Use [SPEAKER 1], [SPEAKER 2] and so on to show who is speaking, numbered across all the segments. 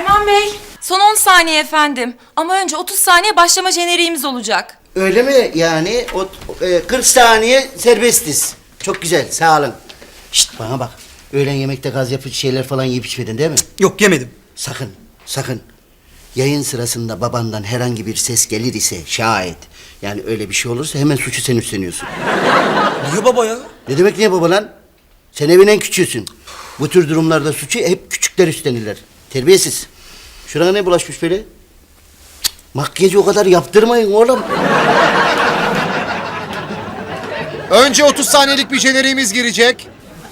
[SPEAKER 1] Erman Bey, son 10 saniye efendim. Ama önce 30 saniye başlama jeneriğimiz olacak.
[SPEAKER 2] Öyle mi? Yani 40 saniye serbestiz. Çok güzel, sağ olun. Şşt, bana bak. Öğlen yemekte gaz yapıcı şeyler falan yiyip içmedin değil mi?
[SPEAKER 3] Yok, yemedim.
[SPEAKER 2] Sakın, sakın. Yayın sırasında babandan herhangi bir ses gelir ise şayet, yani öyle bir şey olursa hemen suçu sen üstleniyorsun.
[SPEAKER 3] Niye baba ya?
[SPEAKER 2] Ne demek niye baba lan? Sen evin en küçüğüsün. Bu tür durumlarda suçu hep küçükler üstlenirler. Terbiyesiz. Şurana ne bulaşmış böyle? Cık, makyajı o kadar yaptırmayın oğlum.
[SPEAKER 4] Önce 30 saniyelik bir jeneriğimiz girecek.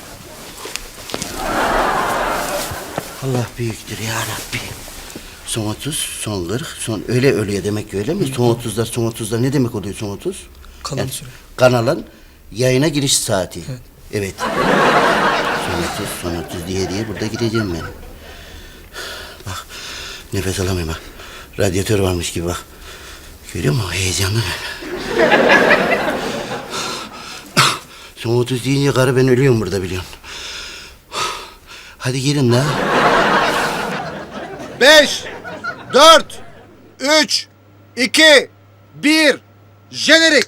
[SPEAKER 2] Allah büyüktür ya Rabbi. Son 30, son 40, son öyle ölüyor demek ki öyle mi? Son 30'lar, son 30'lar ne demek oluyor son 30?
[SPEAKER 3] Kalan süre.
[SPEAKER 2] Kanalın yayına giriş saati. Evet. Son 30 diye burada gideceğim ben. Bak, nefes alamıyorum bak. Radyatör varmış gibi bak. Görüyor musun? Heyecanlı ben. Son 30 deyince karı ben ölüyorum burada biliyorsun. Hadi girin la.
[SPEAKER 4] 5, 4, 3, 2, 1, jenerik.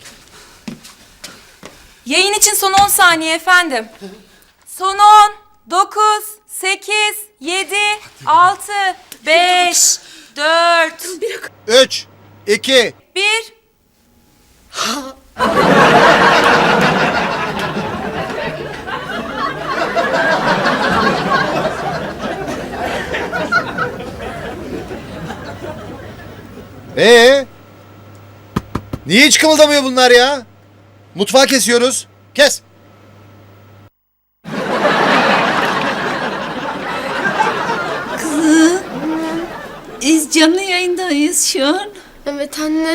[SPEAKER 1] Yayın için son 10 saniye efendim. Son 10, 9, 8, 7, 6, 5, 4,
[SPEAKER 4] 3, 2,
[SPEAKER 1] 1.
[SPEAKER 4] Niye hiç kımıldamıyor bunlar ya? Mutfağı kesiyoruz. Kes.
[SPEAKER 5] Biz canlı yayındayız şu an.
[SPEAKER 6] Evet anne.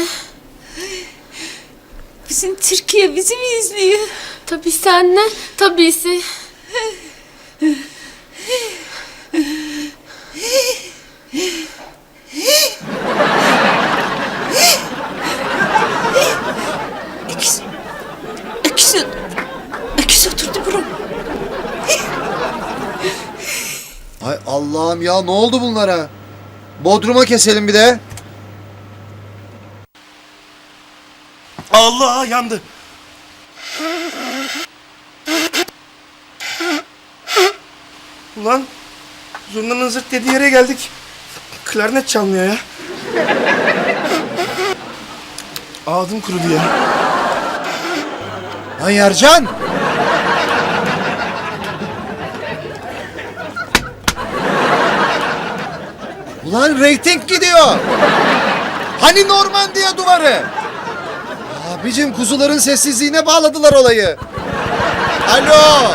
[SPEAKER 5] Bütün Türkiye bizi mi izliyor?
[SPEAKER 6] Tabii anne. Tabii.
[SPEAKER 5] Öküz oturdu buram.
[SPEAKER 4] Ay Allah'ım ya, ne oldu bunlara? Bodruma keselim bir de.
[SPEAKER 3] Allah, yandı. Ulan, zurnanın zırt dediği yere geldik. Klarnet çalmıyor ya. Ağzım kurudu ya.
[SPEAKER 4] Lan Yercan! Ulan reyting gidiyor. Hani Normandiya duvarı? Abicim, kuzuların sessizliğine bağladılar olayı. Alo!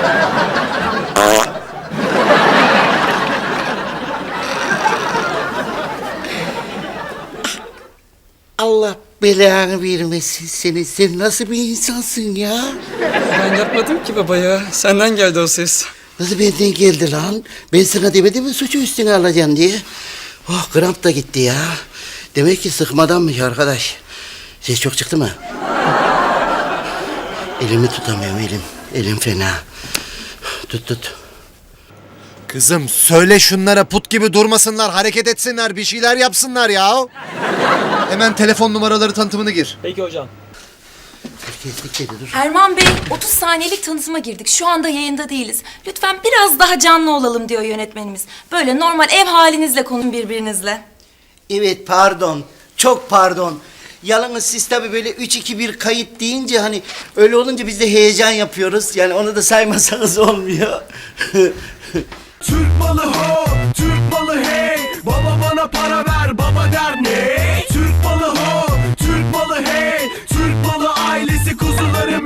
[SPEAKER 2] Allah belanı vermesin seni. Sen nasıl bir insansın ya?
[SPEAKER 7] Ben yapmadım ki baba ya. Senden geldi o ses.
[SPEAKER 2] Nasıl benden geldi lan? Ben sana demedim mi suçu üstüne alacaksın diye? Oh, kramp da gitti ya. Demek ki sıkmadanmış arkadaş. Ses çok çıktı mı? Elimi tutamıyorum elim. Elim fena. Tut.
[SPEAKER 4] Kızım söyle şunlara put gibi durmasınlar, hareket etsinler, bir şeyler yapsınlar ya. Hemen telefon numaraları tanıtımını gir.
[SPEAKER 7] Peki hocam.
[SPEAKER 2] Kestik dedi dur.
[SPEAKER 1] Erman Bey, 30 saniyelik tanıtıma girdik. Şu anda yayında değiliz. Lütfen biraz daha canlı olalım diyor yönetmenimiz. Böyle normal ev halinizle konuşun birbirinizle.
[SPEAKER 2] Evet, pardon. Çok pardon. Yalnız siz tabii böyle 3-2-1 kayıt deyince hani öyle olunca biz de heyecan yapıyoruz. Yani onu da saymasanız olmuyor.
[SPEAKER 8] Türk malı ho, Türk malı hey. Baba bana para ver, baba der ne? Türk malı ho, Türk malı hey. Türk malı ailesi kuzuları